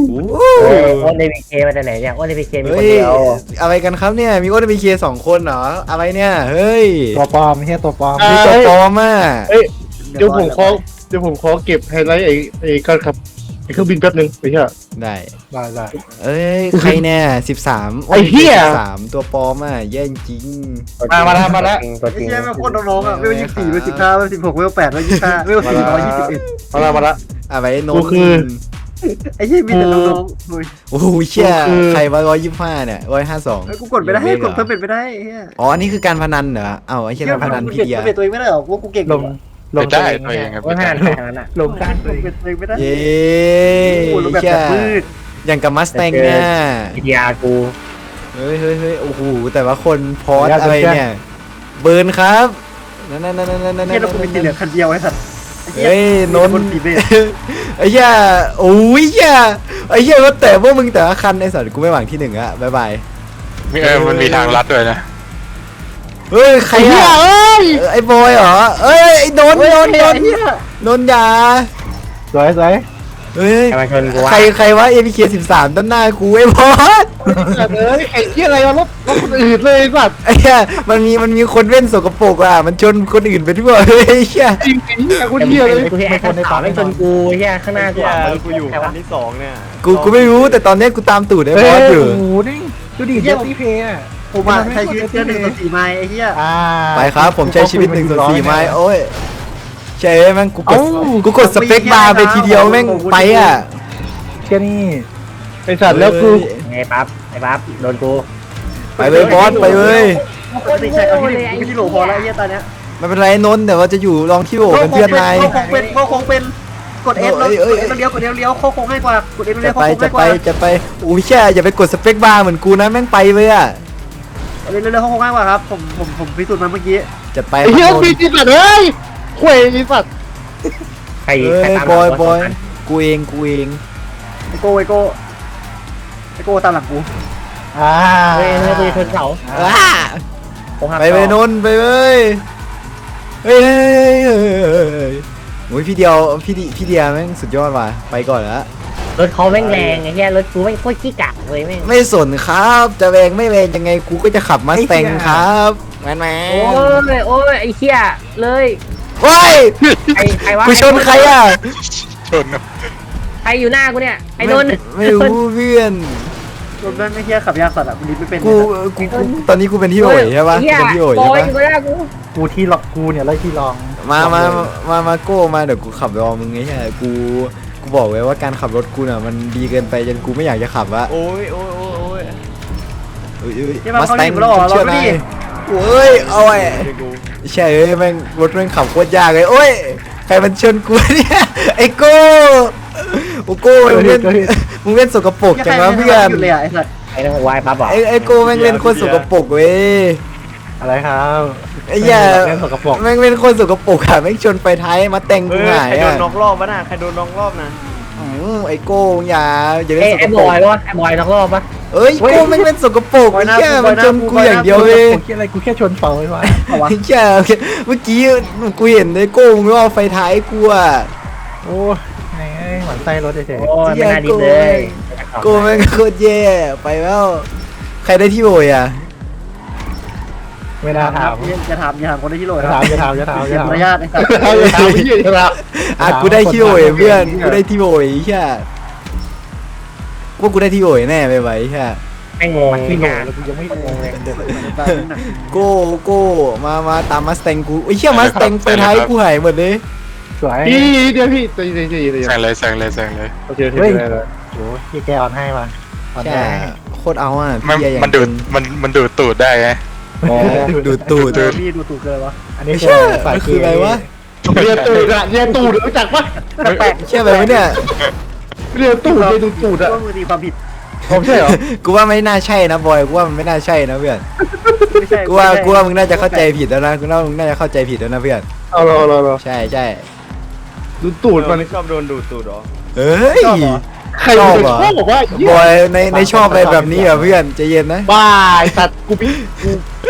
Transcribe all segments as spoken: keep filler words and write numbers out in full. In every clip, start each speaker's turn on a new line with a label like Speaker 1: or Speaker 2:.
Speaker 1: โอ้ในพีเคมาจากไหนเนี่ยโอ้ในพีเคมีค
Speaker 2: เฮ้
Speaker 1: น
Speaker 2: ย
Speaker 1: เดียว
Speaker 2: อะไรกันครับเนี่ยมีโอเดบีเคสองคนเหรออะไรเนี่ยเฮ้ย
Speaker 3: ตัวปลอมไม่ใช่ตัวปลอม
Speaker 2: มีตัวปลอมอ่ะ
Speaker 4: เอ้ยเดี๋ยวผมขอเดี๋ยวผมขอเก็บไฮไลท์ไอ้ไอ้การขับไอ้เครื่องบินแป๊บนึงไปเถอะ
Speaker 2: ได้
Speaker 3: ได้ได้
Speaker 2: เอ้ยใครเนี่ยสิบสาม
Speaker 4: ไอ้เหี้ย
Speaker 2: สามตัวปลอมอ่ะแย่จริง
Speaker 4: มามาแล้วมาแล้ว
Speaker 1: ตัวจ
Speaker 5: ไอ้
Speaker 1: ริง
Speaker 5: เหี้ยแม่งโคตรน้องๆอ่ะเวลยี่สิบสี่เวลสิบห้าเวลสิบหกเวลแปดเวลยี่สิบห้าเวลสี่ร้อยยี่สิบเอ็ด
Speaker 4: มาแล้วมาแล้ว
Speaker 2: อะไรโน
Speaker 4: กู
Speaker 2: น
Speaker 4: คือ
Speaker 5: ไอ้เหี้ยมีแต่น้องๆเฮ้ย
Speaker 2: โอ้โหเชี่ย
Speaker 4: กูคือ
Speaker 2: ใครว่าร้อยยี่สิบห้าเนี่ยร้อยห้าสอง
Speaker 5: เฮ้ยกูกดไม่ได้กดเพิ่มเป็นไม่ได้ไอ้เหี้ย
Speaker 2: อ๋ออันนี้คือการพนันเหรอเอ้าไอ้เชี่ยการพนันพี่เดีย
Speaker 5: กูเป็นตัวเองไม่ได้หรอว่ากูเก่ง
Speaker 3: ลงลง
Speaker 6: ได้ตัวเองครับ
Speaker 1: ว่าห้าแค่นั้นอ่ะ
Speaker 3: ลงกลาง
Speaker 5: กูเป็นตัวเองไม่ได้
Speaker 2: เย้
Speaker 5: กูรู้แบบ
Speaker 2: เชี่ย
Speaker 5: แบบมืด
Speaker 2: อย่างกับมัสแตงเนี่ย
Speaker 1: พีดีอาร์กู
Speaker 2: เฮ้ยเฮ้ยเฮ้ยโอ้โหแต่ว่าคนพอสอะไรเนี่ยเบิร์นครับนั่นนั่นนั่นนั่นนั่น
Speaker 5: เหี้ยเรากูเป็นสีเหลืองคันเดียวไอ้สัตว์
Speaker 2: เฮ้ยนน
Speaker 5: คน
Speaker 2: ท์
Speaker 5: สีเบจ
Speaker 2: ไอ้เหี้ยโอ้ยเหี้ยไอ้เหี้ยก็แต่พวกมึงแต่ละคันไอ้สัตว์กูไม่หวังที่หนึ่งอะบายบาย
Speaker 6: มีเออมันมีทางลัดด้วยนะ
Speaker 2: เฮ้ยใครอะเอ้ยไอ้บอยเหรอเอ้ยไอ้นนท์นนท์นนท์นนท์อยา
Speaker 3: สวยสวย
Speaker 2: เฮ้ย
Speaker 1: ใครมาชนกูวะ
Speaker 2: ใครใครวะ เอ พี เค สิบสามต้นหน้ากูไอ้บอส
Speaker 4: เอ้ยไอ้เหี้ยอะไรวะรถรถคนอื่นเลยไอ้สัตว์
Speaker 2: ไอ้เหี้ยมันมีมันมีคนเว้นสกปรกอ่ะมันชนคนอื่นไปทั่วเฮ้ยไอ้เหี้ย
Speaker 4: จริงจริงไอ้คนเหี้ยเลย
Speaker 1: กูเห็นไอ้คนในป่าไม่ชนกูเฮียข้างหน้ากูอ่ะ
Speaker 7: กูอยู่คันที่สองเนี่ย
Speaker 2: กูกูไม่รู้แต่ตอนเนี้ยกูตามตูดไอ้
Speaker 3: เฮ้
Speaker 2: บ
Speaker 3: ย
Speaker 2: อสอยู่
Speaker 3: โอ้โหนี่ดูดิเจสซี่เพย์อ่ะ
Speaker 5: ผมอ่ะใช้ชีวิตแค่หนึ่งต่อสี่ไม้ไอ้เหี้ย
Speaker 3: อ่า
Speaker 2: ไปครับผมใช้ชีวิตหนึ่งส่วนสี่ไม้โอ้ยใช่แม่งกูกดกูกดสเปคบาร์ไปทีเดียวแม่งไปอ่ะ
Speaker 3: เชี่ยนี่
Speaker 4: ไอ้สัตว์แล้วกู
Speaker 1: ไอ้ปั๊บไอ้ปั๊บโดนกู
Speaker 2: ไปเลยบอสไปเลย
Speaker 5: ปกติใช้เอาที่หนึ่งกูที่โหลพอแล้วไอ้เหี้ยตอนเนี้ย
Speaker 2: ไม่เป็นไรนนท์เดี๋ยวเราจะอยู่ลองที่โหวเป็นเพื่อนนาย
Speaker 5: โคงเป็นโคงเป็นกดเอฟแล้วกดเอฟแล้วเลี้ยวกดเอฟเลี้ยวโคงง่ายกว่ากดเอฟเลี้
Speaker 2: จะ
Speaker 5: ยวโค
Speaker 2: ไป
Speaker 5: ง
Speaker 2: จะ
Speaker 5: ง่ายก
Speaker 2: ไป
Speaker 5: ว่า
Speaker 2: จะไปโอ้ยแช่อย่าไปกดสเปคบาร์เหมือนกูนะแม่งไปเลยอ่ะ
Speaker 5: เร็วๆโคงง่ายกว่าครับผมผมผมพิสูจน์มาเมื่อกี้
Speaker 2: จะไป
Speaker 4: ไอ้เหี้ย
Speaker 2: ครับนน
Speaker 4: มี
Speaker 2: ท์
Speaker 4: จริงสัตว์เฮ้ยข่วยไอ้สัตว์
Speaker 1: ใคร
Speaker 2: เฮ้
Speaker 1: ใคร
Speaker 2: ย
Speaker 1: ตาม
Speaker 2: บอย
Speaker 1: หลัง
Speaker 2: บอย
Speaker 1: สงคัน
Speaker 2: กูเองกูเอง
Speaker 5: ไอโก้ไอโก้ไอโก้ตามหลังกู
Speaker 3: อ่า
Speaker 1: เฮ้ยเฮ้ยกูจะชนเสา
Speaker 2: อ่า
Speaker 1: ผมหัก
Speaker 2: ไปไปนนท์ไปเลยเฮ้ยเฮ้ยเฮ้ยเฮ้ยเฮ้ยโอ้ยพี่เดียวพี่ดิพี่เดียแม่งสุดยอดว่ะไปก่อนละ
Speaker 1: รถเขาแม่งแรงไอ้เหี้ยรถกูแม่งโคตรขี้กากเลยแม่ง
Speaker 2: ไม่สนครับจะแรงไม่แรงยังไงกูก็จะขับมาสแตงครับแมนแม
Speaker 1: โอ้
Speaker 2: น
Speaker 1: ยโอ้ยไอ้เหี้ยเลย
Speaker 2: ว้าย
Speaker 1: ใครใครวะ
Speaker 2: กูชนใครอ่ะ
Speaker 6: ชน
Speaker 1: ใครอยู่หน้ากูเนี่ยไอ้นนท์
Speaker 2: ไม่รู้เพื่อน
Speaker 5: รถแม่งไม่เที่ยขับยากสัตว์อ่ะกูดิบไม่เป็น
Speaker 2: กูกูกูตอนนี้กูเป็นที่โอยใช่ปะ
Speaker 1: เหี้ย
Speaker 2: เป็นที่โอย
Speaker 1: บ
Speaker 2: ใช่
Speaker 1: อย
Speaker 2: ปะ
Speaker 1: อยู่หน้ากู
Speaker 3: กูที่ล็อกกูเนี่ยไล่ที่ลอง
Speaker 2: มามามามาโก้มาเดี๋ยวกูขับรอมึงไงใช่กูกูบอกไว้ว่าการขับรถกูน่ะมันดีเกินไปจนกูไม่อยากจะขับละ
Speaker 7: โอ้ยโอ้ยโอ้ยโอ้ย
Speaker 2: เอ้ยเอ้ย
Speaker 5: ใช่ไหม
Speaker 2: มาส
Speaker 5: เขา
Speaker 2: แต
Speaker 5: หนี
Speaker 2: ง
Speaker 5: บเราเหรอเรา
Speaker 2: เชื่อ
Speaker 5: ไม่
Speaker 2: นาย
Speaker 5: ดี
Speaker 2: โอ้ยเอาไว้
Speaker 7: เดี๋ยวกู
Speaker 2: ใช่เอ้ยแม่งรถแม่งขับโคตรยากเลยโอ้ยใครมันชนกูเนี่ยไอ้โก้โอ้โก้มึงเล่นมึงเล่นสกปรก
Speaker 5: ยัง
Speaker 2: จัง
Speaker 5: ไง
Speaker 2: วะ
Speaker 5: ไม่
Speaker 2: เพื่อน
Speaker 5: หยุดเลยอ่ะไอสัตว์
Speaker 1: ไอ้นั่นวายปั๊บบอก
Speaker 2: ไอ้ไอ้โก้แม่งเล่นโคตรสกปรกเว้ย
Speaker 3: อะไรครับ
Speaker 2: ไอ้เหี้ย
Speaker 3: เล่นสกปรก
Speaker 2: แม่งเล่นโคตรสกปรกอะแม่งชนไปท้ายมาแต่ง
Speaker 7: เฮ้
Speaker 2: กู
Speaker 7: ย
Speaker 2: หาย
Speaker 7: ใครโด
Speaker 2: อะ
Speaker 7: นน็อกรอบวะน่ะใครโดนน็อกรอบนะ
Speaker 2: อืมไอ้โก้อย่าอย่าเล่
Speaker 1: ไอ้
Speaker 2: นสก
Speaker 1: ไอ้
Speaker 2: ป
Speaker 1: บ
Speaker 2: รก
Speaker 1: อยปะไอ้บอยนอกรอบปะ
Speaker 2: เอ้ยโก้แม่งเล่นสกปรกไอ้เหี้ยมันชนกูอย่างเดียวเลย
Speaker 3: กูคิดอะไรกูแค่ชนเสาไอ้วะ
Speaker 5: เอาวะ
Speaker 2: ไอ้เหี้ยเมื่อกี้กูเห็นไอ้โก้มึงว่าไฟท้ายกูอะ
Speaker 3: โอ้ยไงหมันไส้รถเฉย
Speaker 1: โอ้ยไม่น่าดีเลย
Speaker 2: โก้แม่งโคตรแย่ไปแล้วใครได้ที่โอยอะ
Speaker 3: ๆไม่น่าถาม
Speaker 5: อย่าถามอย่าถามคนที่โหล
Speaker 3: อย่าถามอย่าถามอย่าถามอย่า
Speaker 5: เสีย
Speaker 3: ถาม
Speaker 5: มารยาทไอสัตว์
Speaker 4: เอาเลยเอาเหี้ยเอาละ
Speaker 2: อ่ะกูได้ที่โอยเพื่อนกูได้ที่โอยใช่ว่ากูได้ที่โอยแน่ไปไว้ใช่
Speaker 1: แม่งงง
Speaker 3: ที่โหล
Speaker 1: งาน
Speaker 3: แล้วกูยังไม่งงเลย
Speaker 2: โก้โก้มามาตามมาสแตงกูไอ้เหี้ยมาสแตงไฟท้ายกูหายหมดเลย
Speaker 3: สวย
Speaker 4: พี่เดี๋ยวพี่ใจเย็นใจเย็นใจเย็น
Speaker 6: แซงเลยแซงเลยแซงเลย
Speaker 4: โอเคโอเค
Speaker 3: เฮ้ย
Speaker 4: ได้เลย
Speaker 3: โอ้ยพี่แกออนให้มาออน
Speaker 2: ใช่
Speaker 3: ให้
Speaker 2: โคตรเอาอ่ะ
Speaker 6: มัน
Speaker 2: พี่อย่าง
Speaker 6: มันดูดมันมันดูดตูดได้ไง
Speaker 2: อ๋อดูดตูด
Speaker 5: เออพี่ดูถูกเกินวะ
Speaker 3: อันนี้
Speaker 2: ไม่ใช่
Speaker 3: สาย
Speaker 2: มันคืออะไรวะ
Speaker 4: เรียนตูดอะเรียนตูดรู้จักปะ
Speaker 5: แปลก
Speaker 2: เชื่อไหมวะเนี่ย
Speaker 4: เรียนตูดเรียนตูดอะ
Speaker 5: ก็มือตีความผิด
Speaker 4: ผมใช่เหรอ
Speaker 2: กูว่าไม่น่าใช่นะบอยกูว่ามันไม่น่าใช่นะเพื่อน
Speaker 5: ไม่ใช่
Speaker 2: กูว่ากูว่ามึงน่าจะเข้าใจผิดแล้วนะกูว่ามึงน่าจะเข้าใจผิดแล้วนะเพื่อน
Speaker 4: เอาเราเราเรา
Speaker 2: ใช่ใช่
Speaker 4: ดูตูดมัน
Speaker 7: ชอบโดนดูดตูดเหรอ
Speaker 2: เอ้ย
Speaker 4: ใคร
Speaker 2: ชอบ
Speaker 4: จะ
Speaker 2: เหรอ
Speaker 4: ชอบบอกว่า
Speaker 2: บอยในในชอบอะไรแบบนี้เหรอเพื่อนใจเย็นนะ
Speaker 4: บ้าไอ้สัตว์กูพี่กู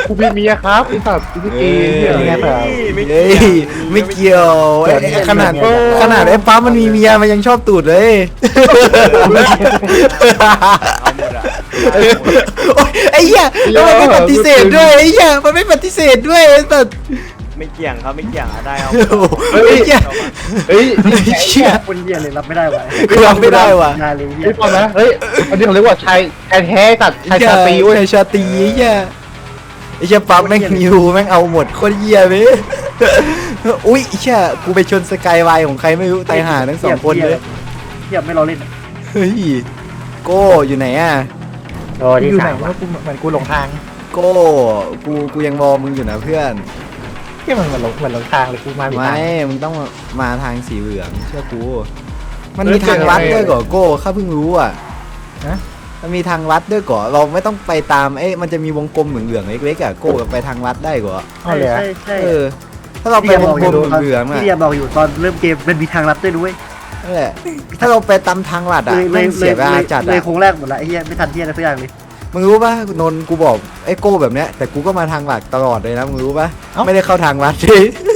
Speaker 4: กูมีเมียครับไอ้สัตว์กูไม่เกย์
Speaker 2: เออ
Speaker 3: ยังไงเปล่า
Speaker 7: ไม่
Speaker 2: เฮ้ยไม่เกี่ยวไอ้ไอ้ขนาดขนาดไอ้ปั๊มมันมีเมียมันยังชอบตูดเลย
Speaker 7: เอาหมดอ่ะ
Speaker 2: โอ๊ยไอ้เหี้ยแล้วมันไม่ปฏิเสธด้วยไอ้เหี้ยมันไม่ปฏิเสธด้วยไอ้สัส
Speaker 7: ไม่เกี่ยงครับไม่เกี่ยงอ่ะได้เอา
Speaker 2: โอ้โหไอ้เหี้ย
Speaker 4: เฮ้ย
Speaker 2: ไอ้เหี้ย
Speaker 5: คนเยี่ยเลยรับไม่ได้วะ
Speaker 2: กูรับไม่ได้ว่ะ
Speaker 5: นายเลย
Speaker 4: ไอ้ฟังนะเฮ้ยอันนี้เขาเรียกว่าชายชายแท้ตัดชายชาตรีเว้ย
Speaker 2: ชายชาตรีไอ้เหี้ยไอ้เหี้ยปั๊มแม่งนิวแม่งเอาหมดโคตรเหี้ยเว้ยอุ้ยไอ้เหี้ยกูไปชนสกายวายของใครไม่รู้ตายห่าทั้งสองคนเลย
Speaker 5: เทียบไม่รอเล่น
Speaker 2: เฮ้ยโก้อยู่ไหนอ่ะ
Speaker 1: โอ้ที่
Speaker 3: อยู่ไหน
Speaker 1: สาม
Speaker 3: วะกูเหมือนกูหลงทาง
Speaker 2: โก้กูกูยังมองมึงอยู่นะเพื่อน
Speaker 3: ที่มันเหมือนหลงเหมือนหลงทางเลยกูมาผิดทาง
Speaker 2: ไม่มึงต้องมาทางสีเหลืองเชื่อกูมันมีทางลัดด้วยก่อโก้ข้าเพิ่งรู้อ่ะนะมันมีทางลัดด้วยก่อเราไม่ต้องไปตามเอ๊ะมันจะมีวงกลมเหลืองๆเล็กๆอ่ะโก้ไปทางลัดได้ก่อ
Speaker 3: เอาเลยอะ
Speaker 5: ใช่ใช่
Speaker 2: เออถ้าเราไปวงกลมเหลืองๆอ่ะ
Speaker 5: พี่เดียบอกอยู่ตอนเริ่มเกมมันมีทางลัดด้วยด้วย
Speaker 2: นั่นแหละถ้าเราไปตามทางลัดอ่ะ
Speaker 5: เลยเล
Speaker 2: แม่
Speaker 5: ย
Speaker 2: ง
Speaker 5: เล
Speaker 2: เสี
Speaker 5: ย
Speaker 2: ยเวลาจัด
Speaker 5: เลย
Speaker 2: อ่ะ
Speaker 5: โค้งแรกหมดละไอ้เหี้ยไม่ทันเที่ยอะไรสักอย่างเลย
Speaker 2: มึงรู้ป่ะนนท์กูบอกไอ้โก้แบบเนี้ยแต่กูก็มาทางหลักตลอดเลยนะมึงรู้ป่ะไม่ได้เข้าทางลัดเลย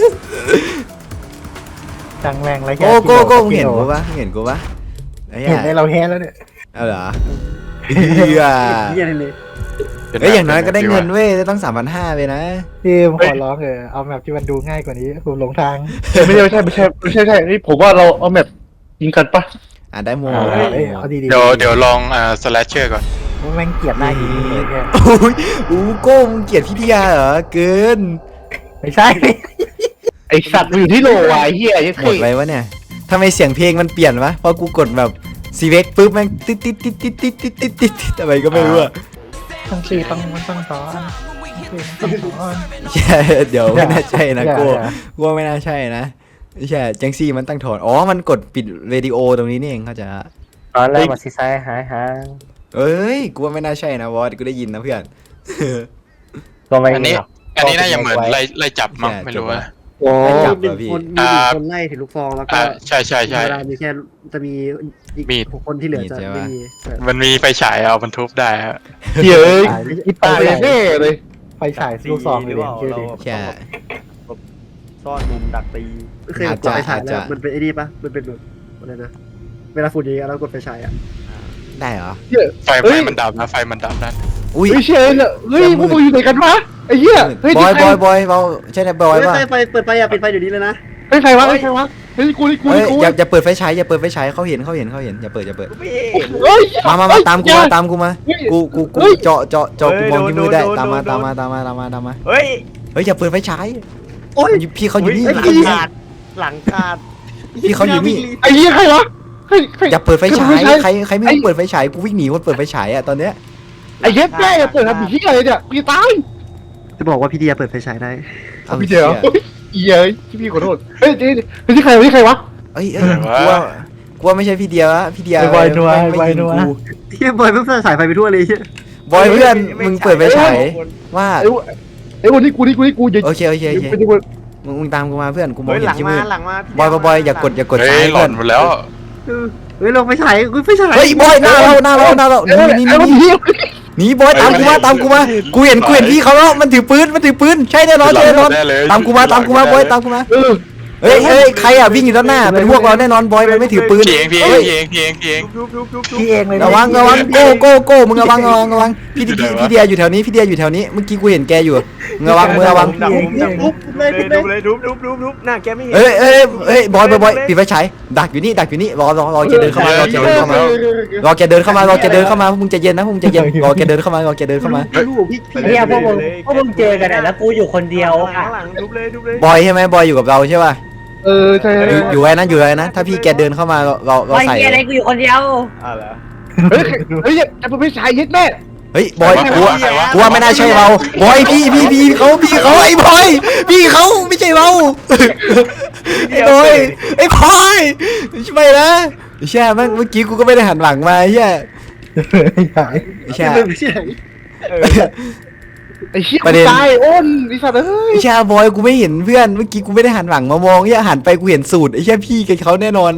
Speaker 3: จังแรงไรแค่
Speaker 2: โก้โก้โก้มึง
Speaker 3: กิ
Speaker 2: เห็น
Speaker 3: โล
Speaker 2: กูป่ะมึงเห็นกูป่ะไอ้เหี้
Speaker 3: เห็น
Speaker 2: ย
Speaker 3: ในเราแท้แล้วเนี่ย
Speaker 2: เอาเหรอเฮีย
Speaker 5: เหี้ยเลย
Speaker 2: เอ้ยอย่างน้อยก็ได้เงินเว้ยต้องสามพันห้าไปนะ
Speaker 3: พี่ผมขอร้องเออเอาแบบที่มันดูง่ายกว่านี้ผมหลงทาง
Speaker 4: ไม่ใช่ไม่ใช่ไม่ใช่ไม่ใช่ไม่ใช่นี่ผมว่าเราเอาแมปยิงกันปะ
Speaker 2: อ่ะได้โม
Speaker 3: เอา
Speaker 2: ได้
Speaker 3: เอ้ย
Speaker 2: โม
Speaker 3: เอาดีๆ
Speaker 6: เดี๋ยวเดี๋ยวลองอ่าสแลชเชอร์ก่อน
Speaker 3: แม่งเกลียดหน้ายิงเลยเนี่ย
Speaker 2: โอ้ยอู้โก้มึงเกลียดพี่ทิยาเหรอเกิน
Speaker 3: ไม่ใช่
Speaker 4: ไอสัตว์มันอยู่ที่โลวะไอ้เหี้ยไอ้
Speaker 2: หม
Speaker 4: เท่
Speaker 2: ดไปวะเนี่ยทำไมเสียงเพลงมันเปลี่ยนวะพอกูกดแบบซีเวกปุ๊บแม่งติดติดติดติดติดติดติดติดติดทำไมก็ไม่รู้อะ
Speaker 3: ต้องซีต้องมันต้องซ้อนต้องซ้อน
Speaker 2: ใช่เดี๋ยวไม่น่าใช่นะ
Speaker 3: อย่า
Speaker 2: โก้
Speaker 3: อย่า
Speaker 2: กูว่าไม่น่าใช่นะใช่จังซี่มันตั้งถอนอ๋อมันกดปิดเรดิโอตรงนี้นี่เองเข้าใจละ
Speaker 1: ตอนแรกมาซีไซด์หายหาง
Speaker 2: เอ้ยกูว่าไม่น่าใช่นะวอสกูได้ยินนะเพื่อน
Speaker 1: ก็ไม่
Speaker 6: อันนี้
Speaker 1: หรอก
Speaker 6: อันนี้น่าจะเหมือนไล่ไล่จับมั้ง
Speaker 2: ใช่
Speaker 6: ไม่รู้ว่า
Speaker 4: โอ้
Speaker 2: ไม่จับ
Speaker 5: มี
Speaker 2: เหรอพี่
Speaker 5: คนมีหนึ่งคนไล่ถือลูกซองแล้วก็
Speaker 6: อ่าใช่ใช่ใช่
Speaker 5: เวลามีแค่จะมีอีก
Speaker 6: มีด
Speaker 5: หกคนที่เหลือจะ
Speaker 2: มีดใช่
Speaker 5: ไม่
Speaker 2: ปะ
Speaker 5: มี
Speaker 6: มันมีไฟฉายเอาบรรทุบได้ฮะ
Speaker 4: เหี้ยเอ้ยอีตายแน่เลย
Speaker 3: ไฟฉายลูกซองเลยเนี่ยชื่อดิ
Speaker 2: ใช่
Speaker 7: ซ่อนมุมดักตี
Speaker 5: เคยกดไฟฉายแล้วมันเป็นไอ้นี่ปะมันเป็นแบบอะไรนะเวลาฝุ่นเยอะแล้วกดไฟฉายอ่ะ
Speaker 2: ได้เหรอ
Speaker 4: เหี้ย
Speaker 6: ไฟไฟมันดับนะไฟมันดับนั่น
Speaker 2: อุ้ย
Speaker 4: เฮ้ยเชยเนี่ยเฮ้ยพวกมึงอยู่ไหนกันวะไอ้เหี้ยเฮ้ย
Speaker 2: บอย
Speaker 4: นี่
Speaker 2: บ
Speaker 4: ใคร
Speaker 2: อยบอยเบาใช่ไหมบอย
Speaker 5: เฮ้ย
Speaker 2: ป่ะ
Speaker 5: ไฟไฟเปิดไฟอ่ะปิดไฟเดี๋ยวนี้เลยนะ
Speaker 4: เฮ้ยใครวะเฮ้ยใครวะเฮ้ยกูนี่กู
Speaker 2: เฮ้
Speaker 4: นี่
Speaker 2: ย
Speaker 4: กู
Speaker 2: อย่าอย่าเปิดไฟฉายอย่าเปิดไฟฉายเขาเห็นเขาเห็นเขาเห็นอย่าเปิดอย่าเปิด
Speaker 7: พี่
Speaker 4: เฮ้ย
Speaker 2: มามามาตามกูมาตามกูมา
Speaker 4: เฮ้ย
Speaker 2: กูกูกู
Speaker 4: เฮ้ย
Speaker 2: เจาะเจาะเจาะกู
Speaker 7: เฮ้ย
Speaker 2: มองที่มือได้
Speaker 7: โดน
Speaker 2: ตามมา
Speaker 7: โดน
Speaker 2: ตามมาตามมาตามมาตามมา
Speaker 7: เฮ้ย
Speaker 2: เฮ้ยอย่าเปิดไฟฉาย
Speaker 5: โอ้ย
Speaker 2: พี่เขาอยู่นี่
Speaker 7: หลัง
Speaker 2: พี่
Speaker 7: ขาดหลังขาด
Speaker 2: พี่เขาอยู่นี่
Speaker 4: ไอ้เหี้ยใครวะเฮ้ยใคร
Speaker 2: อย่าเปิดไฟฉาย
Speaker 4: ไม่ใช่
Speaker 2: ใครใครไม่รู้เปิดไฟฉายกูวิ่งหนีคนเปิดไฟฉายอ่ะตอนเนี้ย
Speaker 4: ไอ้เหี้ยแม่เปิดทำผีอะไรเนี่ยพี่ตาย
Speaker 5: จะบอกว่าพี่เดียเปิดไฟฉายได้
Speaker 2: อา
Speaker 4: พี่เดียว
Speaker 2: ชี่
Speaker 4: เฮ้ยพี่พี่ขอโทษเฮ้ยนี่นี่ที่ใครวะที่ใครวะ
Speaker 2: เอ้ยเอ้ยกูว่ากูว่าไม่ใช่พี่เดียวละพี่เดียว
Speaker 3: ไอ้บอยนัว
Speaker 2: ไม่
Speaker 3: ไอ้บอย
Speaker 2: ยิง
Speaker 3: นัว
Speaker 2: กู
Speaker 5: เฮียบอยเพิ่งสายไฟไปทั่วเลยเฮีย
Speaker 2: บอยเพื่อนมึงเปิดไฟฉายว่า
Speaker 4: ไอ้ไอ้วันนี้กูนี่กูนี่กูอย่า
Speaker 2: โอเคโอเคโอเค
Speaker 4: ไม่ได้ว่า
Speaker 2: มึงมึงตามกูมาเพื่อนกูมอง
Speaker 7: เฮ้ย
Speaker 2: เห็
Speaker 7: หลั
Speaker 2: น
Speaker 7: ง
Speaker 2: ที่
Speaker 7: มา
Speaker 2: มืด
Speaker 7: หลังมา
Speaker 2: บอยบอยบอยอย่ากดอย่ากด
Speaker 6: เฮ้
Speaker 2: ซ้าย
Speaker 6: ยหล่
Speaker 2: เพื่อน น
Speaker 6: หมดแล้ว
Speaker 5: เฮ้ยลงไฟฉายกูไฟฉาย
Speaker 2: เฮ้ยบอยหน้าเราหน้าเราหน้าเราห
Speaker 4: เอ้ย
Speaker 2: นีห
Speaker 4: ไอ้
Speaker 2: นีห
Speaker 4: วัน
Speaker 2: นี
Speaker 4: นี้
Speaker 2: หนีบอยตามกูมาตามกูมากูเห็นกูเห็นพี่เขาแล้วมันถือปืนมันถือปืนใช่แน่นอนใช่แน่นอน
Speaker 6: ได้เลย
Speaker 2: ตามกูมาตามกูมาบอยตามกูมา
Speaker 4: เออ
Speaker 2: เฮ้ยเฮ้ยใครอ่ะวิ่งอยู่ด้านหน้าเป็นพวกเราแน่นอนบอยมันไม่ถือปืน
Speaker 6: เพียงเพียง
Speaker 2: เฮ้ย
Speaker 6: เพียงเพียงเพียง
Speaker 7: ทุบทุบทุบทุบ
Speaker 3: พี่เองเลย
Speaker 2: ระวังระวังโก้โก้โก้มึงระวังระวังระวังพี่
Speaker 6: อยู่ไหน
Speaker 2: พี่
Speaker 6: วะ
Speaker 2: พี่เดียอยู่แถวนี้พี่เดียอยู่แถวนี้เมื่อกี้กูเห็นแกอยู่มึงระวังมึงระวัง
Speaker 7: ดับมุมดับมุม
Speaker 5: ทุบเลย
Speaker 7: เล
Speaker 5: ทุ
Speaker 7: ย
Speaker 5: บเลย
Speaker 7: ทุบเลยทุบทุบทุบทุบหน้าแกไม่เห็น
Speaker 2: เอ้ยเอ้ยเอ้ยบอยบอยบอยปิดไฟฉายดักอยู่นี่ดักอยู่นี่รอรอรอแกเดินเข้ามารอแกเดินเข้ามารอแกเดินเข้ามารอแกเดินเข้ามาพวกมึงใจเย็นนะพวกมึงใจเย็นรอแกเดินเข้ามารอแกเดินเข้ามา
Speaker 5: พี่ลูกพี่พี่
Speaker 1: เนี่ยพวกมึงพวกมึงเจอกันอะแล้วกูอยู่คนเดียว
Speaker 7: หลั
Speaker 1: อ่ะ
Speaker 7: งหลังทุบเลยทุบเลย
Speaker 2: บอยใช่ไหมบอยอยู่กับเราใช่ป่ะ
Speaker 4: เออใช่
Speaker 2: อยู่อยู่ไว้นะอยู่ไว้นะถ้าพี่แกเดินเข้ามาเราเราเรา
Speaker 1: ไอ้
Speaker 2: ใส่
Speaker 1: เหี้ยอะไรกูอยู่คนเดียว
Speaker 7: อ่ะเหรอ
Speaker 4: เฮ้ยเฮ้ยจะไปฉายยึดแม่
Speaker 2: เฮ้ยบอยกูว่ากูว่าไม่น่าใช่เราบอยพี่พี่พี่เขาพี่เขาไอ้บอยพี่เขาไม่ใช่เราไอ้บอยไอ้บอยใช่ไหมนะใช่เมื่อกี้กูก็ไม่ได้หันหลังมาใช่
Speaker 3: ใช่
Speaker 2: ใช่
Speaker 5: ไม่ใช่
Speaker 7: เออ
Speaker 4: ไอ้เหี้ย
Speaker 2: ประเด็น
Speaker 4: ตายอ้นไอ้สัตว์เอ้ย
Speaker 2: ไอ้ชาบอยกูไม่เห็นเพื่อนเมื่อกี้กูไม่ได้หันหลังมามองแค่หันไปกูเห็นสูตรไอ้แค่พี่กับเขาแน่นอนปิด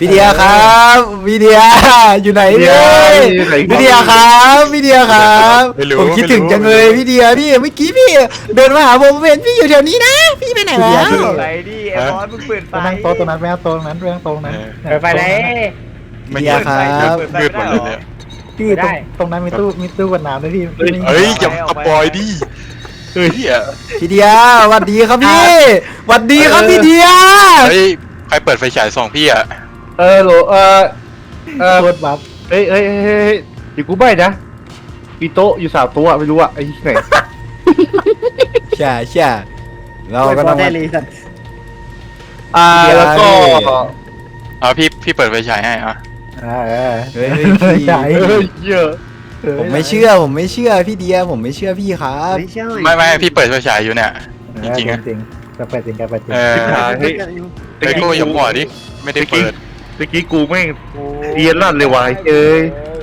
Speaker 2: พี่เดียครับพี่เดียอยู่ไหนเนี่ยพี่เดียครับพี่เดียครับผมคิดถึงจังเลยพี่เดียพี่เมื่อกี้พี่เดินมาหาผมเห็นพี่อยู่แถวนี้นะพี่ไปไหนแล้ว
Speaker 7: ไปดิไอ้บอสมึงเปิดไฟ
Speaker 3: ไปนั่งโต๊ะตรงนั้นไปนั่งโต๊ะตรงนั้นไปนั่งโต๊ะตรงนั้น
Speaker 1: เปิดไฟเลย
Speaker 6: ไม่
Speaker 2: เดียครับ
Speaker 6: มืดหมดเลยเนี่ย
Speaker 3: พี่ตรงตรงนั้นมีตู้มีตู้กดน้ำด้วยพี่
Speaker 6: เฮ้ยอย่าสปอยดิเฮ้ยเหี้ย
Speaker 2: พี่เดียสวัสดีครับพี่สวัสดีครับพี่เดีย
Speaker 6: เฮ้ยใครเปิดไฟฉายส่องพี่อ่ะ
Speaker 4: เออโหลเออเออ
Speaker 3: โคตรบัฟ
Speaker 4: เฮ้ยเฮ้ยเฮ้ยเดี๋ยวกูใบ้นะมีโต๊ะอยู่สามโต๊ะไม่รู้อะไอ้ไหน
Speaker 2: ใช่ใช่เรา
Speaker 5: เรา
Speaker 2: ก็
Speaker 5: ก็
Speaker 2: ต้อง
Speaker 5: ได้
Speaker 2: มา
Speaker 5: เลยสัตว์
Speaker 4: อ่าแล้วก็
Speaker 6: เอาพี่พี่เปิดไฟฉายให้อ่ะ
Speaker 3: อ่าเออ
Speaker 2: เฮ้ยเฮ้ยพี่
Speaker 3: ใหญ่
Speaker 4: เฮ้ยเยอะ
Speaker 2: ผมไม่เชื่อผมไม่เชื่อพี่เดียผมไม่เชื่อพี่ครับ
Speaker 5: ไม่ใช่
Speaker 6: ไม่ไม่พี่เปิดไฟฉายอยู่เนี่ย จริงๆอะ
Speaker 3: จริงจะเปิดจริงจะเปิดจริง
Speaker 6: เออ
Speaker 4: เฮ้ย
Speaker 6: ไอ้กูอย่าบอกดิไม่ได้เปิด
Speaker 4: เมื่อกี้กูแม่งเรียนลั่นเลยวายเอ้ย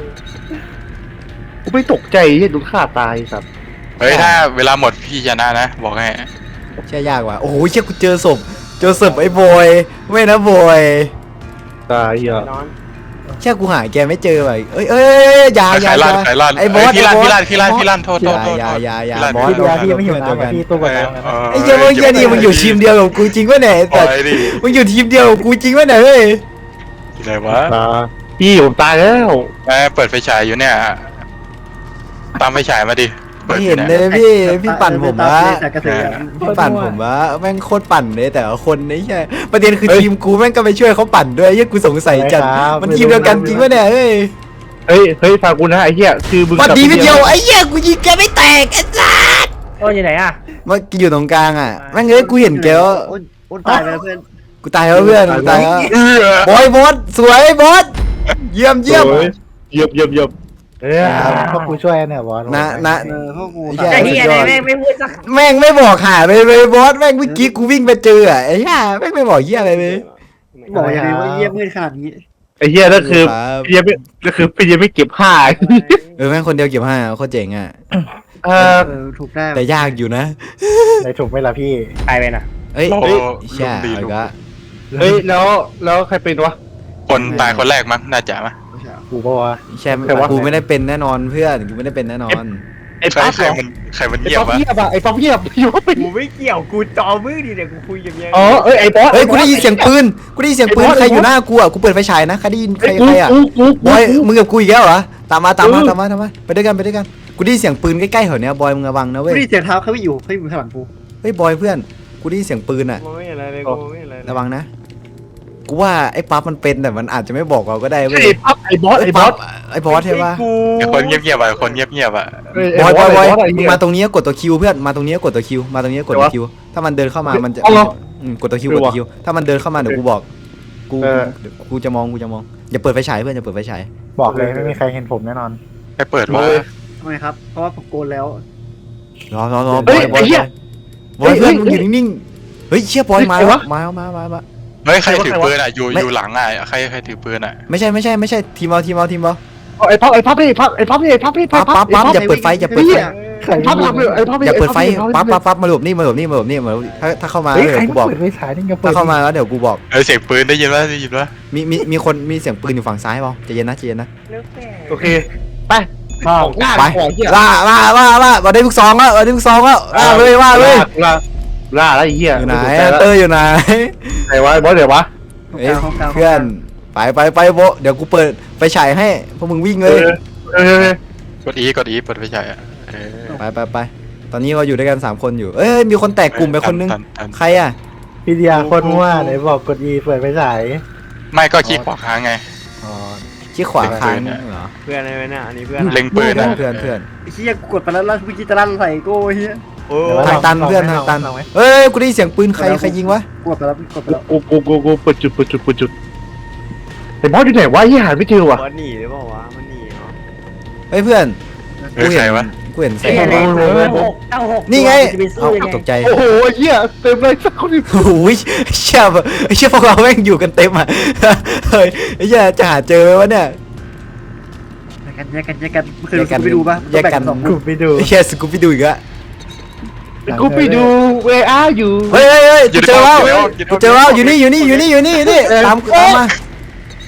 Speaker 4: กูไม่ตกใจเฮ้ยโดนฆ่าตายสัตว์
Speaker 6: เฮ้ยถ้าเวลาหมดพี่ชนะนะบอกให้
Speaker 2: เชื่อยากว่ะโอ้โหเชื่อกูเจอศพเจอศพไอ้บอยไม่นะบอย
Speaker 4: ตายอ่ะ
Speaker 7: นอน
Speaker 2: เชื่อกูหาแกไม่เจอว่ะเอ้ยเอ้ยอย่าอ
Speaker 6: ใค
Speaker 2: ย่าร อ
Speaker 6: ลั่น
Speaker 2: ย่า
Speaker 6: ใครลั่น
Speaker 2: ไอ้บอส
Speaker 6: พี่ลั่น
Speaker 2: ไอ้
Speaker 6: พี่
Speaker 2: บอ
Speaker 6: ลั่
Speaker 2: ส
Speaker 6: นพี่ลั่นพี่ลั่นโทษ
Speaker 2: อ
Speaker 6: โทษ
Speaker 2: ย่า
Speaker 6: โทษ
Speaker 2: อย่าอย่าอย่า
Speaker 6: พี่ลั่น
Speaker 2: บอส
Speaker 3: พี่เดียพี่ไม่หิวน้ำอ่ะพี่ตู้กดน้ำนะ
Speaker 2: ไอ้เจ้าเมื่อกี้นี่มึงอยู่ทีมเดียวกับกูจริงวะเนี่ย
Speaker 6: ปล่
Speaker 2: แต่
Speaker 6: อยดิ
Speaker 2: มึงอยู่ทีมเดียวกับกูจริงวะเนี่ยเฮ้ย
Speaker 6: ที่ไหนวะ
Speaker 4: ตาพี่ผมตายแล้ว
Speaker 6: แม่เปิดไฟฉายอยู่เนี่ยตามไฟฉายมาดิปิ
Speaker 2: ไม่
Speaker 6: ดอ
Speaker 2: เห็น
Speaker 6: ย
Speaker 2: เลยพี่พี่ปั่นผมวะ
Speaker 5: แต่กระสือ
Speaker 2: พี่ปั่นผมวะแม่งโคตรปั่นเลยแต่ละคนนี่ใช่ประเด็นคือทีมกูแม่งก็ไปช่วยเขาปั่นด้วยยังกูสงสัยจัดมันทีมเดียวกันจริงวะเนี่ยเฮ้ย
Speaker 4: เฮ้ยเฮ้ยฟังกูนะไอ้เหี้ยคือมึง
Speaker 2: วันดีวิดีโอไอ้เหี้ยกูยิงแกไม่แตกไอ้สัส
Speaker 1: โอ้ยอยู่ไหนอ่ะ
Speaker 2: เมื่อกี้อยู่ตรงกลางอ่ะแม่งเอ้ยกูเห็นแกว่า
Speaker 5: โอ้นตายไปแล้วเพื่อน
Speaker 2: กูตายแล้วเพื่อนกูตายแล้ว
Speaker 6: เออบ
Speaker 2: อยบอสสวยบอสเยี่ยมเยี่ยม
Speaker 4: โอ้เยี่ยมเยี่ยมเยี่ยมเอ้ย
Speaker 3: พวกกูช่วยเนี่ยบอส
Speaker 2: นะนะ
Speaker 5: เออพวกกู
Speaker 2: ไอ้
Speaker 1: ไอ้
Speaker 2: เหี้
Speaker 1: เหี้ย
Speaker 2: สุดยอด
Speaker 1: แม่งไม่พูดสัก
Speaker 2: แม่งไม่บอกหาเลยเลยบอสแม่งเมื่อกี้กูวิ่งไปเจออ่ะไอ้เหี้ยแม่งไม่บอกเหี้ยอะไรเลย
Speaker 5: บอกอย่างนี้ว่าเยี่ยมมืดขนาดนี้
Speaker 4: ไอ้เหี้ยนั่นคือ
Speaker 2: ครับ
Speaker 4: พี่ยังไม่ก็คือพี่ยังไม่เก็บผ้า
Speaker 2: เออแม่งคนเดียวเก็บห้าโคตรเจ๋งอ่ะ
Speaker 4: เออ
Speaker 5: เออถูกได้
Speaker 2: แต่ยากอยู่นะ
Speaker 3: ในถูกไหมล่ะพี่
Speaker 1: ตายไปน่ะ
Speaker 2: เอ้ย
Speaker 6: โอ้
Speaker 2: เอ้ย
Speaker 6: ลุ
Speaker 2: ใช่
Speaker 6: งดี
Speaker 2: เอา
Speaker 6: ลุ
Speaker 2: อี
Speaker 6: ง
Speaker 2: กละ
Speaker 4: เฮ้ยแล้วแล้วใครเป็นวะ
Speaker 6: คนตายคนแรกมั้งน่าจะมั้ง
Speaker 3: กูบอกว่า
Speaker 2: ใช่กูไม่ได้เป็นแน่นอนเพื่อนกูไม่ได้เป็นแน่นอน
Speaker 4: ไอ้
Speaker 6: ใคร
Speaker 4: ปั๊บ
Speaker 6: ใคร
Speaker 4: เหรอ
Speaker 6: มันใครมัน
Speaker 4: ไอ้
Speaker 6: เงียบ
Speaker 4: ปั๊บ
Speaker 6: วะ
Speaker 4: เงียบอะไอ้ปั๊บเงียบอยู่ว่าเป็น
Speaker 7: กูไม่เกี่ยวกูจอมือดิเนี่ยกูคุยอย่างเงี้ย
Speaker 4: อ๋อเอ้ยไอ้บอส
Speaker 2: เฮ้ยกูได้ยินเสียงปืนกูได้ยินเสียงปืนใครอยู่หน้ากูอ่ะกูเปิดไฟฉายนะใครได้ยินใคร
Speaker 4: ไอ้กู
Speaker 2: ใครอ่ะ
Speaker 4: กูกู
Speaker 2: บอย
Speaker 4: กู
Speaker 2: มึงกับกูอีกแล้วเหรอตามมาตามมา
Speaker 4: เออ
Speaker 2: ตามมาตามมาไปด้วยกันไปด้วยกันกูได้ยินเสียงปืนใกล้ๆแถวเนี้ยบอยมึงระวังนะเว้
Speaker 5: ไม่
Speaker 2: ย
Speaker 5: ได้เสียงเท้าเขาไม่อยู่เขาอยู่ข้างหลังกู
Speaker 2: เฮ้ยบอยเพื่อนกูได้ยินเสียงปืนอ่ะ
Speaker 7: มองไม่เห็นอะไรเลยกูไม่เห็นอะไรเลย
Speaker 2: ระวังนะกูว่าไอ้ปั๊บมันเป็นแต่มันอาจจะไม่บอกเราก็ได้เว้ย
Speaker 4: ไอ้ปั๊บไอ้บอสไอ้บอส
Speaker 2: ไอ้บอสใช่ปะ
Speaker 7: กู
Speaker 6: ไอ้คนเงียบๆอ่ะคนเงียบๆอ่ะ
Speaker 2: บอยบอยบอย
Speaker 4: ไอ้
Speaker 2: มึ
Speaker 4: เหี้
Speaker 2: ง
Speaker 4: ย
Speaker 2: มาตรงนี้กดตัวคิวเพื่อนมาตรงนี้กดตัวคิวมาตรงนี้กดตัวคิวถ้ามันเดินเข้ามามันจะ
Speaker 4: เอาเหรอ
Speaker 2: อืมกดตัวคิวกดตัวคิวถ้ามันเดินเข้ามาเดี๋ยวกูบอกกู
Speaker 4: เออ
Speaker 2: เดี๋ยวกูจะมองกูจะมองอย่าเปิดไฟฉายเพื่อนอย่าเปิดไฟฉาย
Speaker 3: บอกเลยไม่มีใครเห็นผมแน่นอน
Speaker 6: ใครเปิดวะ
Speaker 5: ทำไมครับ เพราะว่าผมโกนแล้ว
Speaker 2: รอรอรอ
Speaker 4: เฮ้
Speaker 2: บอย ยบอย
Speaker 4: ไอ้เหี้ย
Speaker 2: บอยเพื่อน
Speaker 4: เฮ้ย
Speaker 2: มึงอยู่นิ่งๆเฮ้ยเชี่ยบอยมา
Speaker 4: ใคร
Speaker 2: แล้ว
Speaker 4: วะ
Speaker 2: มาแล้วมามามา
Speaker 6: เฮ้ยใครถือ
Speaker 4: ใครวะ
Speaker 6: ปืนอ่ะอยู่
Speaker 2: ไม่
Speaker 6: อยู่หลังอ่ะใครใครถือปืนอ่ะ
Speaker 2: ไม่ใช่ไม่ใช่ไม่ใช่ทีมเอาทีมเอาทีมเอา
Speaker 4: ไอ้ปั๊บไอ้ปั๊บไอ้ปั๊บไอ้ปั๊บไอ้ปั๊บไอ้ปั๊บ
Speaker 2: ปั๊บปั๊บปั๊บอย่าเปิดไฟอย่าเปิดไฟ
Speaker 3: ใคร
Speaker 4: ไอ้ปั๊บทำเลยไอ้ปั๊บ
Speaker 2: อย่าเปิดไฟปั๊บปั๊บปั๊บมาหลบนี่มาหลบนี่มาหลบนี่มาหลบนี่ถ้าถ้าเข้ามา
Speaker 3: เฮ้ย
Speaker 2: เดี๋
Speaker 3: ใคร
Speaker 2: ยวกู
Speaker 3: มา
Speaker 2: บอก
Speaker 3: เปิดไฟฉายนี่ก็เปิ
Speaker 2: ถ้า
Speaker 3: ด
Speaker 2: เข้ามาแล้วเดี๋ยวกูบอก
Speaker 6: เออเสียงปืนได้ยินปะได้ยินปะ
Speaker 2: มีมีมีคนมีเสียงปืนอยู่ฝั่งซ้ายเปล่าใจเย็นนะใจเย็นนะ
Speaker 4: โอเคไป
Speaker 3: อ้าว
Speaker 4: ล่า
Speaker 2: ไป
Speaker 4: ของเหี้ย
Speaker 2: ล่าล่าล่าล่ามาได้ลูกซองแล้วมาได้ลูกซองแล้วล่าเลยว่าเลย
Speaker 4: ล่าล่าแล้วไอ้เหี้ย
Speaker 2: อยู่ไหน
Speaker 4: ใจแล้ว
Speaker 2: เตอร์อยู่ไหน
Speaker 4: ไหนวะไอ้บอสเดี๋ยววะ
Speaker 2: เอ้ยเพื่อนไปไปไปโบะเดี๋ยวกูเปิดไฟฉายให้พวกมึงวิ่ง
Speaker 4: เอ
Speaker 2: เลย
Speaker 4: อเออเออก
Speaker 6: ดอีกดอีเปิดไฟฉายอ่ะเออ
Speaker 2: ไปไปไปตอนนี้เราอยู่ด้วยกันสามคนอยู่เอ้ยมีคนแตกกลุ่มไปคนนึง
Speaker 6: ทัทัน
Speaker 2: ใครอ่ะ
Speaker 3: พี่เดียโคตรมั่วไหนบอกกด E เปิดไฟฉาย
Speaker 6: ไม่ก็ขี้ขวาค้างไง
Speaker 3: อ๋อ
Speaker 2: ชี้ขวาค้างเหรอ
Speaker 7: เพื่อนอะไรเนี่ยอันนี้เพื่อน
Speaker 6: เล็งปืนนะ
Speaker 2: เพื่อนเพื่อน
Speaker 5: ไอ้เหี้ยกูกดไปแล้วแล้วเมื่อกี้จะลั่นใส่กูไอ้เหี้ย
Speaker 7: โอ้
Speaker 2: ทางตันเพื่อนทางตันเอ้ยกูได้ยินเสียงปืนใครใครยิงวะ
Speaker 5: กดไปแล้วกดไปแล้ว
Speaker 4: กูกูกูกูเปิดจุดเปิดจุดเปิดจุดไอ้บอสอยู่ไหนวะยี่หาไม่เจอว่ะ
Speaker 7: บอสหนีหรือเปล่าวะมันหนีเนาะ
Speaker 2: เฮ้ยเพื่อน
Speaker 6: เออใครวะ
Speaker 2: กูเห็นแส
Speaker 1: เอ้ย
Speaker 2: ง
Speaker 1: เลยเอาหกเอาหก
Speaker 2: นี่ไง
Speaker 1: จะไปสู้
Speaker 2: เอ้า
Speaker 1: ยังไง
Speaker 2: ตกใจ
Speaker 4: โอ้โหไอ้เหี้ยเต็มเลยสักคนหนึ่ง
Speaker 2: โอ้ยเชี่ยเชี่ยพวกเราแม่งอยู่กันเต็มอ่ะเฮ้ยไอ้เหี้ยจะหาเจอไหมวะเนี่ย
Speaker 5: แยกกันแยกกันแยกกันเคยดูไปดูป่ะ
Speaker 2: แยกกัน
Speaker 5: สอง
Speaker 3: กูไปดู
Speaker 2: ไอ้เชี่ยสกูปปี้ดูอีกอะ
Speaker 4: กูไปดูเวอาอยู่
Speaker 2: เฮ้ยเฮ้ยเฮ้ย
Speaker 6: อยู่
Speaker 2: กู
Speaker 6: ใน
Speaker 2: เจอแล้ว
Speaker 6: ห้องอยู่ในห้อง
Speaker 2: กูเจอแล้วอยู่นี่อยู่นี่อยู่นี่อยู่นี่อยู่นี่ตามตามมา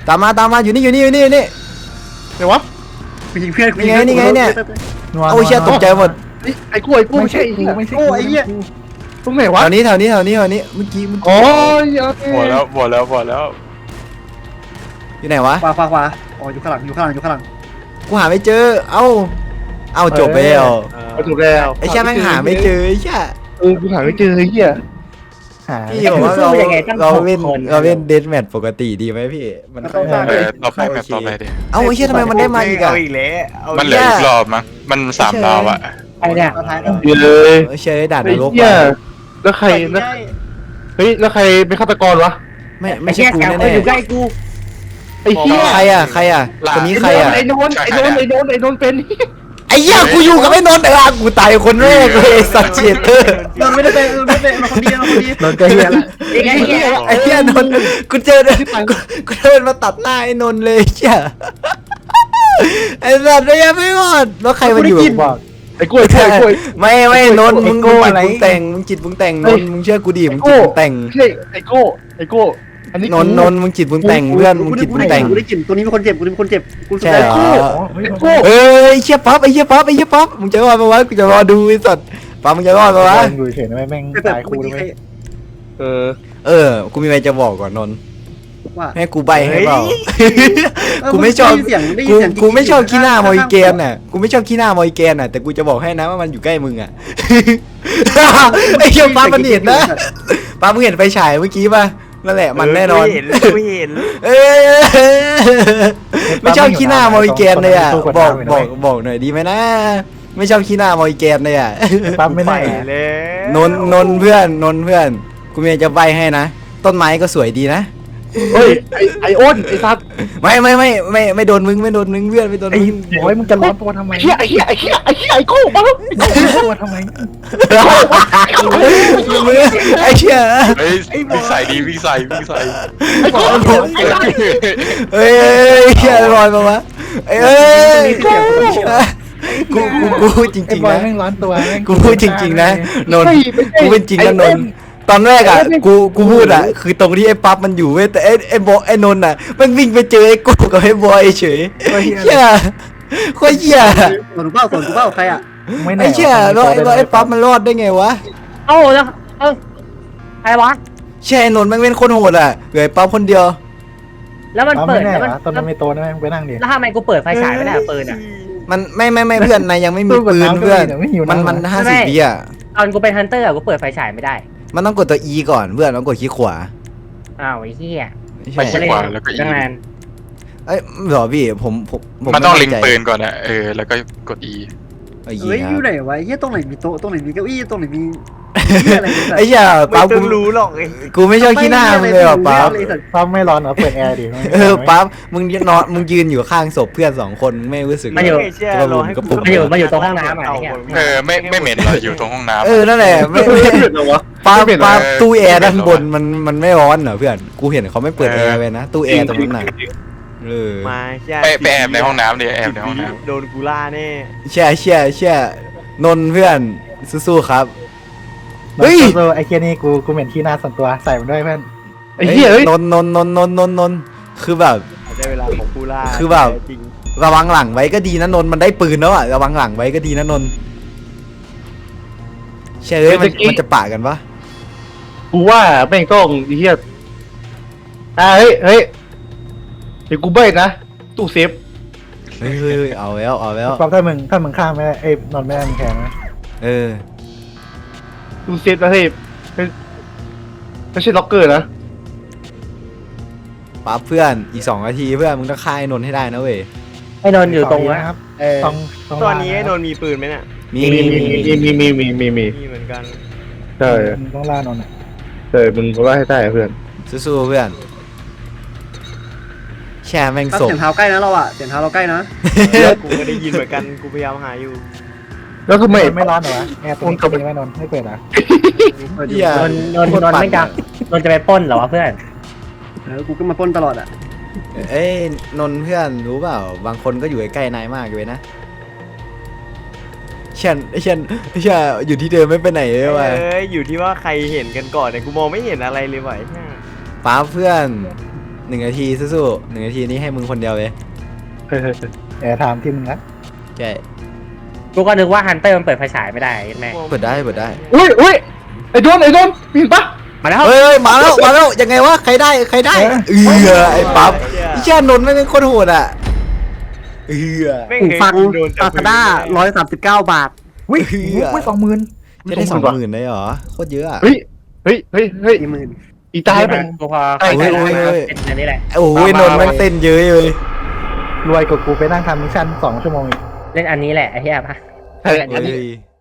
Speaker 2: ตามมาตามมาอยู่นี่อยู่นี่อยู่นี่อยู่นี่
Speaker 4: ไหนวะ
Speaker 5: กูยิงเพื่อนกู
Speaker 2: นี่ไงนี่ไงเนี่ย
Speaker 3: นัว
Speaker 2: เอาเชี่ยตกใจหมด
Speaker 4: ไอ้ไอ้กูไอ้กู
Speaker 3: ไม่
Speaker 4: ไม่
Speaker 3: ใช่
Speaker 4: ใช่
Speaker 3: กูไม่ใช่
Speaker 5: โอ้ไอ้เหี้ย
Speaker 4: ตรงไหนวะ
Speaker 2: แถวนี้แถวนี้แถวนี้แถวนี้เมื่อกี้เมื่อ
Speaker 4: อ๋
Speaker 2: กี้
Speaker 4: อโอเค
Speaker 6: หมดแล้วหมดแล้วหมดแล้ว
Speaker 2: อยู่ไหนวะ
Speaker 5: ขวาขวาขวาอ๋ออยู่ข้างหลังอยู่ข้างหลังอยู่ข้างหลัง
Speaker 2: กูหาไม่เจอเอ้าเอ้าจบไปแล้ว
Speaker 7: เออ
Speaker 4: เอาถูกแล้ว
Speaker 2: ไอ้เชี่ยแม่งหาไม่เจอไอ้เชี่ย
Speaker 4: เออกูหาไม่เจอไอ้เหี้ย
Speaker 3: หา
Speaker 2: พี่บอกว่าเราเราเล่นเราเล่นเดสแมทปกติดีไหมพี่มัน
Speaker 6: เออต่อไปแบบต่อไปดิ
Speaker 2: เอ้าไอ้เชี่ยทำไมมันได้มาอีกอะ
Speaker 7: เอาอีกแล้วเอา
Speaker 6: มันเหลืออีกรอบมั้งมันสามดาวอะ
Speaker 1: ไอ้เนี่ย
Speaker 5: ท้ายแล้ว
Speaker 4: เดี๋ยวเลย
Speaker 2: เออเชี่ยได้ด่านน
Speaker 4: ไอ้
Speaker 2: รก
Speaker 4: เหี้ย
Speaker 2: ว่ะ
Speaker 4: แล้วใครแล้วเฮ้ยแล้วใครเป็นฆาตกรวะ
Speaker 2: ไม่
Speaker 1: ไอ้
Speaker 2: ไม่ใช่
Speaker 1: เหี้ย
Speaker 2: กู
Speaker 1: แก
Speaker 2: แน่
Speaker 1: อยู่ใกล้กู
Speaker 4: ไอ้เหี้ย
Speaker 2: ๆใครอะใครอะคนนี้ใครอะ
Speaker 4: ไอ้โนนไอ้โนนไอ้โนนไอ้โนนเป็น
Speaker 2: ไอ้เหี้ยกูอยู่กับไอ้นนท์เออกูตายคนแรกเลยไอ้สัตว์เฉียดเออ
Speaker 5: โดนไม่ได้เป็นโดนไม่ได้เป็นมาคนดีมาคนดี
Speaker 3: โดนก็เฮียละ
Speaker 1: ไอ้เหี้ย
Speaker 2: ไอ้เหี้ยนนท์กูเจอกูกูเดินมาตัดหน้าไอ้นนท์เลยเชี่ยไอ้สัตว์เนี่ยไม่รอดแล้วใครมันอยู่
Speaker 3: บอก
Speaker 4: ไอ้กล้วยกล้วยกล้วย
Speaker 2: ไม่ไม่นนท์มึง
Speaker 3: ไอ้โก้
Speaker 2: จิต
Speaker 3: อะไร
Speaker 2: มึงแต่งมึงจิตมึงแต่งน
Speaker 4: เฮ้ย
Speaker 2: นท์มึงเชื่อกูดิมึง
Speaker 4: ไอ้
Speaker 2: จิต
Speaker 4: โก้
Speaker 2: มึงแต่ง
Speaker 4: ใช่ไอ้โก้ไอ้โก้อันนี้
Speaker 2: นนท์นนท์มึงจิตมึงแต่งเพื่อนมึงจิตมึงแต่ง
Speaker 5: กูได้กลิ่นตัวนี้มีคนเจ็บกูมีคนเจ็บกูสุด
Speaker 2: ใช่
Speaker 5: ท้าย
Speaker 2: เหรอ
Speaker 3: เฮ้ย
Speaker 4: ไอ้โก้
Speaker 2: เอ้ยเชี่ยป๊อปไอ้เชี่ยป๊อปไอ้เชี่ยป๊อปมึงจะรอดปะวะกูจะรอดูไอ้สัตว์ป๊อปมึงจะรอดปะวะ
Speaker 3: อยู่เฉยนะแม่ง
Speaker 5: ไปเปิด
Speaker 3: ตาย
Speaker 5: กู
Speaker 3: คู่
Speaker 5: ยิ
Speaker 3: เล
Speaker 5: ง
Speaker 3: ย
Speaker 4: เออ
Speaker 2: เออกูมีอะไรจะบอกก่อนนนท์
Speaker 5: ว่า
Speaker 2: ให้กูใบให้เปล่า
Speaker 5: เออ
Speaker 2: กูไม่ชอบ
Speaker 5: ได้ยินเสียงได้ยิ
Speaker 2: กู
Speaker 5: นเสียง
Speaker 2: กูไม่ชอบขี้หน้ามอยแกน
Speaker 5: น่ะ
Speaker 2: น่ะกูไม่ชอบขี้หน้ามอยแกนน่ะแต่กูจะบอกให้นะว่ามันอยู่ใกล้มึงอ่ะ ไอ้เชี่ยป๊อปมันเห็นนะป๊อปมึงเห็นไฟฉายเมื่อกี้ป่ะนั่นแหละมันแน่นอน
Speaker 7: กูเห็นกูเห็น
Speaker 2: เอ้ยไม่ชอบขี้หน้ามอยแกนเลยอ่ะบอกบอกบอกหน่อยดีไหมนะไม่ชอบขี้หน้ามอยแกนเลยอ่ะ
Speaker 3: ปั๊มไม่
Speaker 7: ไป
Speaker 3: ได้
Speaker 7: เลย
Speaker 2: นนนนเพื่อนนนเพื่อนกูมีอะไรจะใบให้นะต้นไม้ก็สวยดีนะ
Speaker 4: เฮ้ยไอ้ไอ้อ้นไอ้สัตว์
Speaker 2: ไม่ไม่ไม่ไม่ไม่โดนมึงไม่โดนมึงเพื่อนไม่โดน
Speaker 3: ไอ้
Speaker 2: มึง
Speaker 3: โอ้ยมึงจะร้อนตัวทำไม
Speaker 4: ไอ้เหี้ยไอ้เหี้ยไอ้เหี้ยไอ้เหี้ยไอ้โก้มาแล้ว
Speaker 3: ร้อนตัวทำไม
Speaker 2: ไอ้เชี่ย
Speaker 6: เฮ้ยวิ่งใส่ดีวิ่งใส่วิ่งใส่
Speaker 4: ไอ้โก้ไอ้โก้ไอ้สัตว์
Speaker 2: เอ้ยเอ้ยเชี่ยลอยมาวะเอ้ยเอ้ยกูกูกูพูดจ
Speaker 3: ไอ้
Speaker 2: ริง
Speaker 3: บ
Speaker 2: ๆ
Speaker 3: อย
Speaker 2: นะ
Speaker 3: แม่งร้อนตัวแม่ง
Speaker 2: กูพูดจริงๆนะนนกูเป็นจริงนะนนตอนแรกอ่ะกูกูพูดอ่ะคือตรงที่ไอ้ปั๊บมันอยู่เว้ยแต่ไอ้ไอ้บอไอ้นนอ่ะมันวิ่งไปเจอไอ้กูกับไอ้บอยเฉยเชี่ยโคตรเชี่ย
Speaker 5: ส่วนกูเป้าส่วนกูเป้าใครอ่ะ
Speaker 3: ไม่แน่
Speaker 2: ไอ้เชี่ยแล้วไอ้แล้วไอ้ปั๊บมันรอดได้ไงวะ
Speaker 1: เอ้าแล้วเอ้าใครวะ
Speaker 2: เชี่ยไอ้นนท์แม่งเป็นคนโหดอ่ะเหลือไอ้ปั๊บคนเดียว
Speaker 1: แล้วมัน
Speaker 3: ปั๊ม
Speaker 1: เปิ
Speaker 3: ไม่
Speaker 1: ด
Speaker 3: แน่
Speaker 1: แล้วมัน
Speaker 3: เหรอตอนนั้นไม่โตนะแม่งไปนั่งดิ
Speaker 1: แล้วทำไมกูเปิดไฟฉายไม่ได้อะปืนอ่ะ
Speaker 2: มันไม่ไม่ไม่เพื่อนนายยังไม่มีปืนเพื่อนมันมันห้าสิบวิอ่ะ
Speaker 1: ตอนกูเป็นฮันเตอร์อะกูเปิดไฟฉายไม่ได้
Speaker 2: มันต้องกดตัว E ก่อนเพื่อนต้องกดคลิกขวา
Speaker 1: อ้าวไอ้เหี้ย
Speaker 6: ไป
Speaker 2: ใช่
Speaker 6: ขี้ขวาแล้วก็อี
Speaker 1: ตั้งนาน
Speaker 2: เอ้ยเหรอพี่ผมผมผม
Speaker 6: มันต้องลิง
Speaker 2: ไใจ
Speaker 6: ปืนก่อนอะเออแล้วก็กด E
Speaker 2: ไอ้
Speaker 5: เฮ้ย
Speaker 2: เหี้ย
Speaker 5: อยู่ไหนวะไอ้เหี้ยตรงไหนมีโต๊ะตรงไหนมีเก้าอี้ตรงไหนมีเหี้ยอะไรเนี่ย
Speaker 2: ไอ้เหี้ย
Speaker 7: ไม่
Speaker 2: ปั๊บ
Speaker 7: ต้
Speaker 2: กู
Speaker 7: องรู้หรอกไอ้
Speaker 2: กูไม่ชอบขี้หน้ามึงเลยว่ะปั๊บ
Speaker 5: ไอ้สัตว์
Speaker 3: ปั๊มไม่ร้อนเหรอเปิดแอร์ดิ
Speaker 2: เออปั๊บมึงนอนมึงยืนอยู่ข้างศพเพื่อนสองคนมึงไม่รู้สึก
Speaker 1: มันอยู่
Speaker 7: ไม่เชื่อ
Speaker 2: จะ
Speaker 7: รอให้
Speaker 2: กระปุก
Speaker 1: มันอยู่มันอยู่ตรงห้องน้ำอะไอ้เหี้ย
Speaker 6: เออไม่ไม่เหม็นเหรออยู่ตรงห้องน้ำ
Speaker 2: เออนั่นแหละไม่ไม่
Speaker 4: ไม่เป็นเหรอวะ
Speaker 2: ปั๊บ
Speaker 4: ไม่เป็นเหรอ
Speaker 2: ปั๊บตู้แอร์ด้านบนมันมันไม่ร้อนเหรอเพื่อนกูเห็นเขาไม่เปิดแอร์ไว้นะตู้แอร์ตรงนั้นน่ะเออ
Speaker 7: มาแค่
Speaker 6: ไปไปแอบในห้องน้ำดิแอบในห้องน้ำ
Speaker 7: โดนกูล่าแน่
Speaker 2: เชี่ยเชี่ยเชี่ยนนท์เพื่อนสู้ๆครับ เฮ้
Speaker 3: เฮ้
Speaker 2: ย
Speaker 3: ยไอ้เคียนี่กูกูเหม็นที่หน้าส่วนตัวใส่มันด้วยเพื่อน
Speaker 4: ไอ้เหี้ยเฮ้ย
Speaker 2: นนท์นนท์นนท์นนท์นนท์นนท์คือแบบ
Speaker 7: ได้เวลาของกูล่า
Speaker 2: คือแบบ
Speaker 7: จริง
Speaker 2: ระวังหลังไว้ก็ดีนะนนท์มันได้ปืนแล้วอะระวังหลังไว้ก็ดีนะนนท์เชื่อเลยมันมันจะปะกันปะ
Speaker 4: กูว่าแม่งต้องไอ้เหี้ยอ่าเฮ้ยเฮ้ยเดี๋ยวกูเบิดนะตู้เซฟ
Speaker 2: เฮ้ยเฮ้ยเฮ้ยเอาแล้วเอาแล้ว
Speaker 3: ปั๊มถ้ามึงถ้ามึงข้ามไม่ได้เอ้ยนอนไม่ได้มึงแข็งนะ
Speaker 2: เออ
Speaker 4: ตู้เซฟนะเฮ้ยไม่ไม่ใช่ล็อกเกอร์นะ
Speaker 2: ปั๊บเพื่อนอีกสองนาทีเพื่อนมึงต้องฆ่าไอ้นนท์ให้ได้นะเว้ย
Speaker 1: ไอ้นนท์อยู่ตรง
Speaker 3: นะ
Speaker 1: นะ
Speaker 3: ครับ
Speaker 1: เออ
Speaker 3: ต้องต้อง
Speaker 7: ตอนนี้ไอ้นนท์มีปืนไหมเนี่ย
Speaker 2: มี
Speaker 4: มี
Speaker 2: มี
Speaker 4: มี
Speaker 2: มี
Speaker 4: มีมีมีมีมีมี
Speaker 7: มีเหมือนกัน
Speaker 4: ใช่
Speaker 3: มึงต้องล่านนท์อะ
Speaker 4: ใช่มึงก็ว่าให้ได้เพื่อน
Speaker 2: สู้ๆเพื่อนแช่แม่ง
Speaker 5: ปั๊บ
Speaker 2: ศพ
Speaker 5: เสียงเท้าใกล้นะเราอ่ะเสียงเท้าเราใกล้นะ
Speaker 7: เออกูก็ได้ยินเหมือนกันกูพยายามหาอยู่
Speaker 4: แล้วทำไม
Speaker 3: ไม่ไม่ร้อนเหรอวะแอร์ตัวนี้ตัวนี้ไม่นอนไม่เปิดอ่ะ
Speaker 5: เออ
Speaker 2: เหี้ย
Speaker 1: นนท์นนท์นนท์ไม่จะนนท์จะไปปล้นเหรอวะเพื่อน
Speaker 5: เออกูก็มาปล้นตลอดอ่ะ
Speaker 2: เอ้ยนนท์เพื่อนรู้เปล่าบางคนก็อยู่ใกล้ๆนายมากเลยนะเช่นเช่นเช่นอยู่ที่เดิมไม่ไปไหนเลยว่ะ
Speaker 7: เอ้ยอยู่ที่ว่าใครเห็นกันก่อนเนี่ยกูมองไม่เห็นอะไรเลยว่ะไอ้เหี้ย
Speaker 2: ป้าเพื่อนหนึ่งนาทีสู้ๆหนึ่งนาทีนี้ให้มึงคนเดียวเลย
Speaker 3: แอร์ไทม์ที่มึงนะ
Speaker 2: ใช่
Speaker 1: กูก็นึกว่าฮันเตอร์มันเปิดไฟฉายไม่ได้แม่
Speaker 2: เปิดได้เปิดได้
Speaker 4: อุ้ยอุ้ยไอ้โดนไอ้โดนเห็นปะ
Speaker 1: มาแล้ว
Speaker 2: เฮ้ยมาแล้วมาแล้วยังไงวะใครได้ใครได้เออไอ้ปั๊บไอ้เชี่ยนนท์ไม่เป็นโคตรโหดอ่ะเออ
Speaker 5: หูฟังลาซาด้าร้อยสามสิบเก้าบาท
Speaker 3: วิ่งวิ่งสองหมื่น
Speaker 2: จะได้สองหมื่นเลยเหรอโคตรเยอะอะ
Speaker 4: เฮ้ยเฮ้ยเฮ้ยเฮ้ย
Speaker 5: กี่หมื่น
Speaker 4: อีตายเป็น
Speaker 1: กูพอ
Speaker 4: ไอ้
Speaker 1: เข้าใจ
Speaker 2: โอ้ย
Speaker 1: แล้ว
Speaker 2: โอ้ย
Speaker 1: เป็นอันนี้แหละ
Speaker 2: โอ้ยนนท์แม่งเต้นเยอะเลย
Speaker 3: รวยกว่ากูไปนั่งทำมิชชั่นสองชั่วโมงอีก
Speaker 1: เล่นอันนี้แหละไอ้เหี้ยปะ
Speaker 2: เฮ้ย